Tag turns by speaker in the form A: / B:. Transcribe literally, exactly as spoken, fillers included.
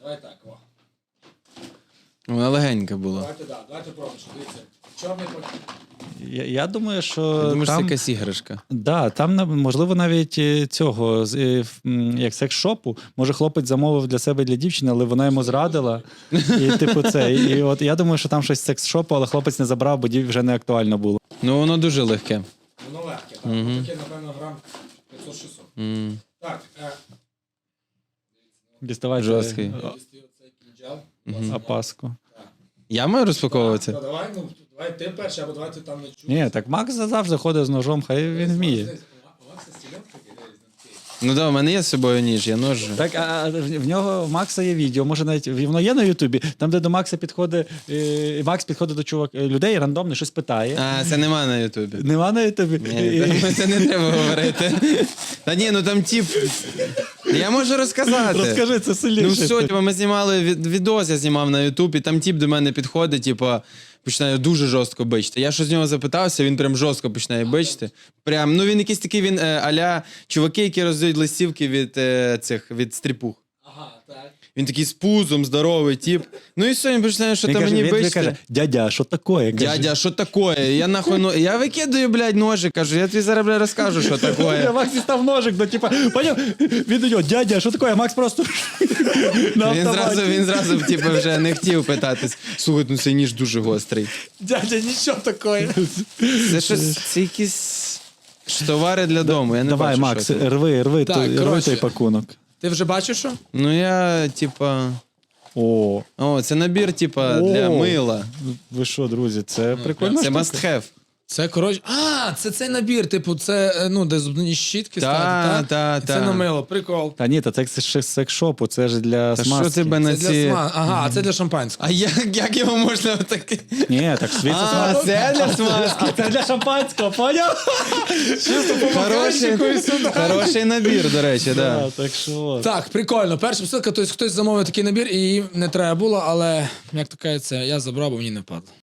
A: Давай так, о.
B: Вона легенька була.
A: Давайте, да, давайте пробуємо. Дивіться, чорний пакет.
C: Я, я думаю, що
B: Я думаю, що це
C: там,
B: якась іграшка.
C: да, там на- можливо навіть е, цього з, е, в, м, як секс-шопу. Може, хлопець замовив для себе і для дівчини, але вона йому зрадила. І типу це. І, і от я думаю, що там щось з секс-шопу, але хлопець не забрав, бо дів вже не актуально було.
B: Ну, воно дуже легке.
A: Воно легке, так. Угу. Таке, напевно, грам п'ятсот-шістсот.
B: М.
A: Так, е,
C: Діставай
B: Жорсткий.
C: е,
A: дістаю цей кінджал.
C: опаску.
B: Я маю розпаковувати?
A: Ну, давай, ну, давай ти перший, або давай ти там не чуєш.
C: Ні, так Макс завжди ходить з ножом, хай він вміє.
A: У Макса стілянка такий, дивись, такий.
B: Ну так, у мене є з собою ніж, я нож.
C: Так, а в в нього в Макса є відео, може навіть воно є на Ютубі, там, де до Макса підходить, е, Макс підходить до чувак, е, людей рандомно щось питає.
B: А, це нема на Ютубі.
C: Нема на Ютубі?
B: Ні, це- це не треба говорити. Та ні, ну там тип. Я можу розказати.
C: Розкажи, це сильніше.
B: Ну все, типу, ми знімали від- відос, я знімав на Ютубі, там тип до мене підходить, типу, починає дуже жорстко бичити. Я щось з нього запитався, він прям жорстко починає бичити. Прям, ну він якийсь такий, він е, а-ля чуваки, які роздають листівки від е, цих, від стріпух.
A: Ага, так.
B: Він такий з пузом, здоровий тип. Ну і все, він починає, що
C: Він
B: там
C: каже,
B: мені
C: він тобі
B: бичити.
C: каже, дядя, що таке? Каже,
B: Дядя, що таке? Я нахуй, ну, я викидаю, блядь, ножі, кажу, я тобі зараз, блядь, розкажу, що
C: Я
B: таке.
C: Макс дістав ножик, ну типа, поняв? Він до нього, дядя, що таке? А Макс просто на
B: Він
C: автоматі.
B: зразу, він зразу, типу, вже не хотів питатись. Слухай, ну цей ніж дуже гострий.
C: Дядя, нічого таке.
B: Це щось, це якісь ж товари для дому, я не
C: Давай,
B: бачу,
C: Макс,
B: що це.
C: рви, рви,
A: Так,
C: той, рви
A: коротше.
C: той пакунок.
A: Ти вже бачиш, що?
B: Ну я, типа,
C: О,
B: о, це набір, типа, для
C: О.
B: мила.
C: ви що, друзі, це прикольно.
B: Це must have.
A: Це, коротше, а, це цей набір, типу, це, е, ну, де зубні щітки
B: Та,
A: ставити,
B: та,
A: І
B: та.
A: це на мило, прикол.
C: Та ні, та це ще з секс-шопу, це ж для
B: Та що
C: смазки.
B: тебе на
A: Це для
B: ці...
A: сма... Ага, а це для шампанського.
B: А як, як його можна отаке?
C: Ні, так світ це
B: А,
C: смазки.
B: це для смазки.
C: Це для шампанського, поняв?
B: Хороший, хороший набір, до речі, да.
C: Так, так що от.
A: Так, прикольно. Перша посилка, тобто хтось замовив такий набір і їм не треба було, але, як то кажеться, я забрав, бо мені не падало.